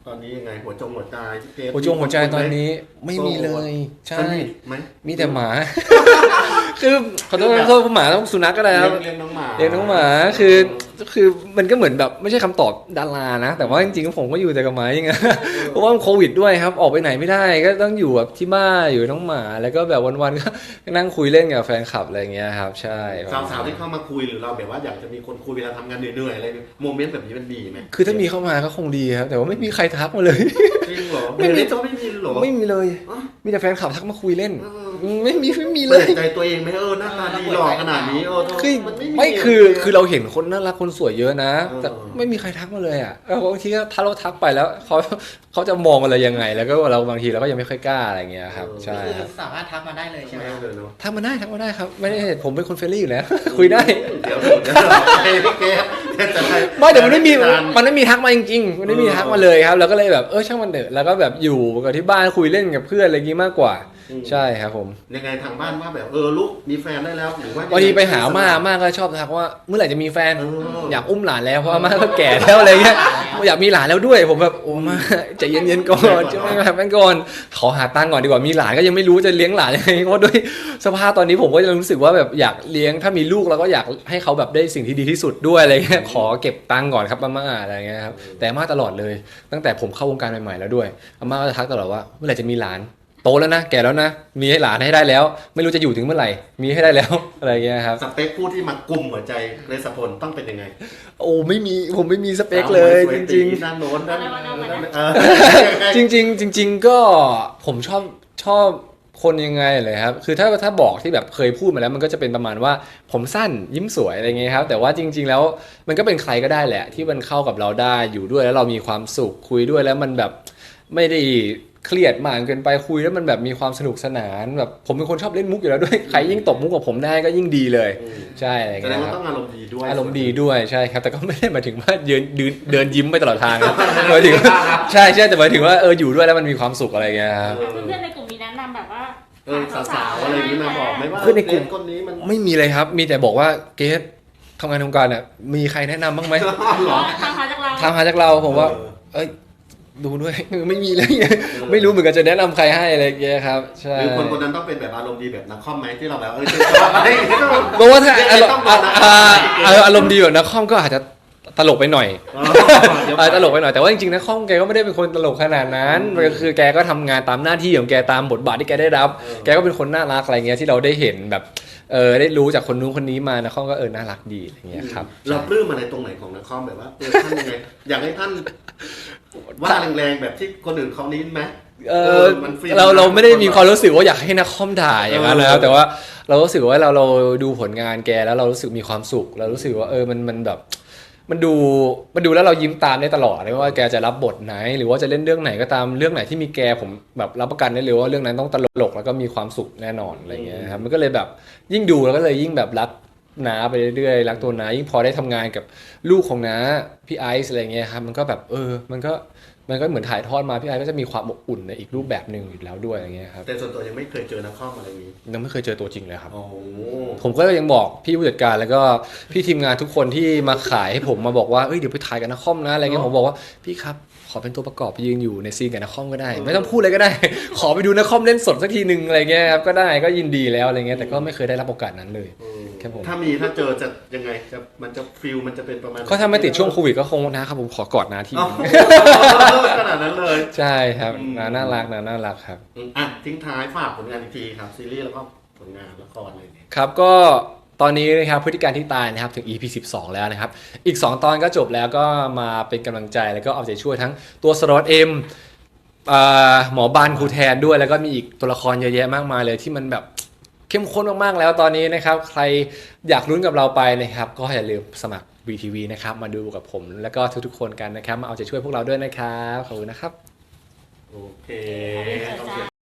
ตอนนี้ยังไงหัวหัวใจหัวใจตอนนี้ไม่มีเลยใช่มีแต่หมาคือขอโทษหมาต้องสุนัขก็ได้ครับเลี้ยงน้องหมาคือมันก็เหมือนแบบไม่ใช่คำตอบดารานะแต่ว่าจริงๆผมก็อยู่แต่กับหมาอย่างเงี้ยเพราะว่าโควิดด้วยครับออกไปไหนไม่ได้ก็ต้องอยู่แบบที่บ้านอยู่น้องหมาแล้วก็แบบวันๆก็นั่งคุยเล่นกับแฟนคลับอะไรเงี้ยครับใช่สาวๆที่เข้ามาคุยหรือเราแบบว่าอยากจะมีคนคุยเวลาทำงานเหนื่อยๆอะไรโมเมนต์แบบนี้มันดีไหมคือถ้ามีเข้ามาก็คงดีครับแต่ว่าไม่มีใครทักมาเลยจริงเหรอไม่มีหรอไม่มีเลยมีแต่แฟนคลับทักมาคุยเล่นไม่มีเลยใจตัวเองไหมหน้าตาดีหล่อขนาดนี้ไม่คือเราเห็นคนน่ารักคนสวยเยอะนะแต่ไม่มีใครทักมาเลยอ่ะบางทีถ้าเราทักไปแล้วเขาจะมองอะไรยังไงแล้วก็เราบางทีเราก็ยังไม่ค่อยกล้าอะไรเงี้ยครับใช่สามารถทักมาได้เลยใช่ไหมทักมาได้ครับไม่ได้ผมเป็นคนเฟรนลี่อยู่แล้วคุยได้เดี๋ยวไม่แต่มันไม่มีทักมาจริงๆมันไม่มีทักมาเลยครับเราก็เลยแบบช่างมันเถอะแล้วก็แบบอยู่กับที่บ้านคุยเล่นกับเพื่อนอะไรงี้มากกว่าใช่ครับผมยังไงทางบ้านว่าแบบลูกมีแฟนได้แล้วหรือว่าวันนี้ไปหาม่าก็ชอบทักว่าเมื่อไหร่จะมีแฟนอยากอุ้มหลานแล้วเพราะม่าก็แก่แล้วอะไรเงี้ยอยากมีหลานแล้วด้วยผมแบบโอ้มาใจเย็นๆก่อนจะไม่แบบนั้นก่อนขอหาตังค์ก่อนดีกว่ามีหลานก็ยังไม่รู้จะเลี้ยงหลานยังไงเพราะด้วยสภาพตอนนี้ผมก็ยังรู้สึกว่าแบบอยากเลี้ยงถ้ามีลูกเราก็อยากให้เขาแบบได้สิ่งที่ดีที่สุดด้วยอะไรเงี้ยขอเก็บตังค์ก่อนครับม่าอะไรเงี้ยครับแต่ม่าตลอดเลยตั้งแต่ผมเข้าวงการใหม่ๆแล้วด้วยม่าก็จะทักตลอดว่าเมื่อไหร่จะมีหลานโตแล้วนะแก่แล้วนะมีให้หลานให้ได้แล้วไม่รู้จะอยู่ถึงเมื่อไหร่มีให้ได้แล้วอะไรเงี้ยครับสเปคผู้ที่มากุมหัวใจเรศพลต้องเป็นยังไงโอ้ผมไม่มีสเปคเลยจริงๆด้านโน้นจริงก็ผมชอบคนยังไงเลยครับคือถ้าบอกที่แบบเคยพูดมาแล้วมันก็จะเป็นประมาณว่าผมสั้นยิ้มสวยอะไรเงี้ยครับแต่ว่าจริงๆแล้วมันก็เป็นใครก็ได้แหละที่มันเข้ากับเราได้อยู่ด้วยแล้วเรามีความสุขคุยด้วยแล้วมันแบบไม่ได้เครียดมากเกินไปคุยแล้วมันแบบมีความสนุกสนานแบบผมเป็นคนชอบเล่นมุกอยู่แล้วด้วยใครยิ่งตบมุกกับผมได้ก็ยิ่งดีเลยใช่อะไรเงี้ยครับต้องอารมณ์ดีด้วยอารมณ์ดีด้วยใช่ครับแต่ก็ไม่ได้หมายถึงว่าเดินยิ้มไปตลอดทางนะหมายถึงใช่แต่หมายถึงว่าอยู่ด้วยแล้วมันมีความสุขอะไรเงี้ยครับเพื่อนในกลุ่มมีแนะนำแบบว่าสาวอะไรอย่างนี้มาบอกไหมว่าเพื่อนในกลุ่มคนนี้มันไม่มีเลยครับมีแต่บอกว่าเกสทำงานทำการเนี่ยมีใครแนะนำบ้างไหมทางหาจากเราผมว่าดูด้วยไม่มีเลยไม่รู้เหมือนกันจะแนะนำใครให้อะไรเงี้ยครับใช่หรือคนนั้นต้องเป็นแบบอารมณ์ดีแบบนักคอมไหมที่เราแบบเพราะว่าถ้าอารมณ์ดีแบบนักคอมก็อาจจะตลกไปหน่อยตลกไปหน่อยแต่ว่าจริงๆนักคอมแกก็ไม่ได้เป็นคนตลกขนาดนั้นคือแกก็ทำงานตามหน้าที่ของแกตามบทบาทที่แกได้รับแกก็เป็นคนน่ารักอะไรเงี้ยที่เราได้เห็นแบบได้รู้จากคนนู้นคนนี้มานักคอมก็น่ารักดีอะไรเงี้ยครับเราปลื้มอะไรตรงไหนของนักคอมแบบว่าท่านยังไงอยากให้ท่านว่าแรงๆแบบที่คนอื่นเขานี้ไหมเราไม่ได้มีความรู้สึกว่าอยากให้นักคอมด่าอย่างนั้นนะครับแต่ว่าเรารู้สึกว่าเราดูผลงานแกแล้วเรารู้สึกมีความสุขเรารู้สึกว่ามันแบบมันดูแล้วเรายิ้มตามได้ตลอดไม่ว่าแกจะรับบทไหนหรือว่าจะเล่นเรื่องไหนก็ตามเรื่องไหนที่มีแกผมแบบรับประกันได้เลยว่าเรื่องนั้นต้องตลกแล้วก็มีความสุขแน่นอนอะไรเงี้ยครับมันก็เลยแบบยิ่งดูแล้วก็เลยยิ่งแบบรักน้าไปเรื่อยๆรักตัวน้ายิ่งพอได้ทำงานกับลูกของน้าพี่ไอซ์อะไรเงี้ยครับมันก็แบบมันก็เหมือนถ่ายทอดมาพี่ไอซ์ก็จะมีความอบอุ่นในอีกรูปแบบนึงอยู่แล้วด้วยอย่างเงี้ยครับแต่ส่วนตัวยังไม่เคยเจอนักคอมอะไรนี้ยังไม่เคยเจอตัวจริงเลยครับผมก็ยังบอกพี่ผู้จัดการแล้วก็พี่ทีมงานทุกคนที่มาขายให้ผมมาบอกว่าเดี๋ยวไปถ่ายกับนักคอมนะอะไรเงี้ยผมบอกว่าพี่ครับขอเป็นตัวประกอบไปยืนอยู่ในซีนกับนักคอมก็ได้ไม่ต้องพูดอะไรก็ได้ขอไปดูนักคอมเล่นสดสักทีนึงอะไรเงี้ยครับก็ได้ก็ยินดีแล้วอะไรเงี้ยแต่ก็ไม่เคยได้รับโอกาสนั้นเลยถ้าเจอจะยังไงมันจะฟีลมันจะเป็นประมาณก็ถ้าไม่ติดช่วงโควิดก็คงนะครับผมขอกอดนาทีขนาดนั้นเลยใช่ครับน่ารักครับทิ้งท้ายฝากผลงานอีกทีครับซีรีส์แล้วก็ผลงานละครเลยครับก็ตอนนี้นะครับพฤติการที่ตายนะครับถึง EP 12แล้วนะครับอีก2ตอนก็จบแล้วก็มาเป็นกำลังใจแล้วก็เอาใจช่วยทั้งตัวสล็อตเอ็มหมอบานครูแทนด้วยแล้วก็มีอีกตัวละครเยอะแยะมากมายเลยที่มันแบบเข้มข้นมากๆแล้วตอนนี้นะครับใครอยากลุ้นกับเราไปนะครับก็อย่าลืมสมัคร VTV นะครับมาดูกับผมแล้วก็ทุกๆคนกันนะครับมาเอาใจช่วยพวกเราด้วยนะครับขอบคุณนะครับโอเค